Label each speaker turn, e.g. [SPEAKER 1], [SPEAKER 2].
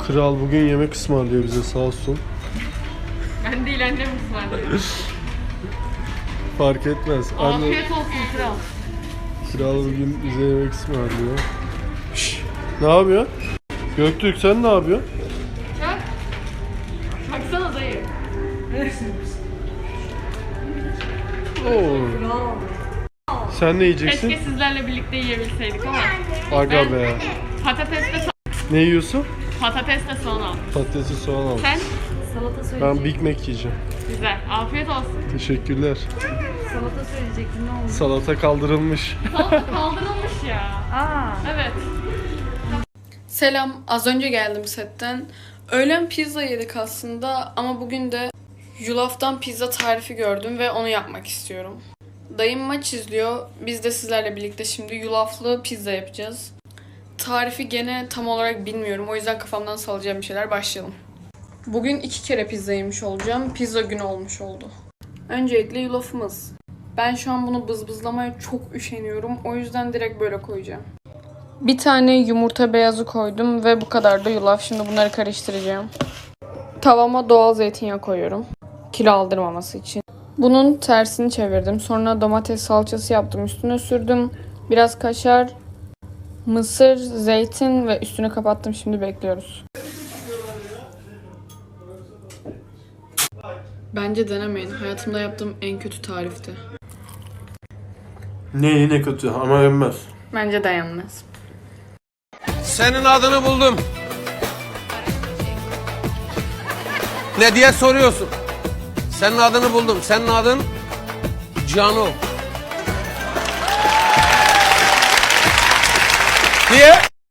[SPEAKER 1] Kral bugün yemek ısmarlıyor bize, sağ olsun.
[SPEAKER 2] Ben değil, annem ısmarlıyor.
[SPEAKER 1] Fark etmez.
[SPEAKER 2] Afiyet olsun kral.
[SPEAKER 1] Kral bugün bize yemek ısmarlıyor. Şşş, ne yapıyor? Göktürk sen ne yapıyorsun?
[SPEAKER 2] Bak. Baksana dayı.
[SPEAKER 1] Oo. Sen ne yiyeceksin?
[SPEAKER 2] Keşke sizlerle birlikte yiyebilseydik ama.
[SPEAKER 1] Aga be.
[SPEAKER 2] Patatesle
[SPEAKER 1] Ne yiyorsun?
[SPEAKER 2] patatesle soğan al.
[SPEAKER 1] Patatesi soğan al.
[SPEAKER 2] Sen?
[SPEAKER 3] Salata söyleyecektim.
[SPEAKER 1] Ben Big Mac yiyeceğim.
[SPEAKER 2] Güzel. Afiyet olsun.
[SPEAKER 1] Teşekkürler.
[SPEAKER 3] Salata söyleyecektim, ne oldu?
[SPEAKER 1] Salata kaldırılmış.
[SPEAKER 2] Salata kaldırılmış ya.
[SPEAKER 3] Aa.
[SPEAKER 2] Evet.
[SPEAKER 4] Selam, az önce geldim setten. Öğlen pizza yedik aslında ama bugün de yulaftan pizza tarifi gördüm ve onu yapmak istiyorum. Dayım maç izliyor, biz de sizlerle birlikte şimdi yulaflı pizza yapacağız. Tarifi gene tam olarak bilmiyorum, o yüzden kafamdan salacağım bir şeyler, başlayalım. Bugün 2 kere pizza yemiş olacağım, pizza günü olmuş oldu. Öncelikle yulafımız. Ben şu an bunu bızbızlamaya çok üşeniyorum, o yüzden direkt böyle koyacağım. Bir tane yumurta beyazı koydum ve bu kadar da yulaf. Şimdi bunları karıştıracağım. Tavama doğal zeytinyağı koyuyorum. Kilo aldırmaması için. Bunun tersini çevirdim. Sonra domates salçası yaptım. Üstüne sürdüm. Biraz kaşar, mısır, zeytin ve üstünü kapattım. Şimdi bekliyoruz. Bence denemeyin. Hayatımda yaptığım en kötü tarifti.
[SPEAKER 1] Ne kötü ama yenmez.
[SPEAKER 4] Bence dayanmaz.
[SPEAKER 5] Senin adını buldum. Ne diye soruyorsun? Senin adını buldum. Senin adın Cano. Niye?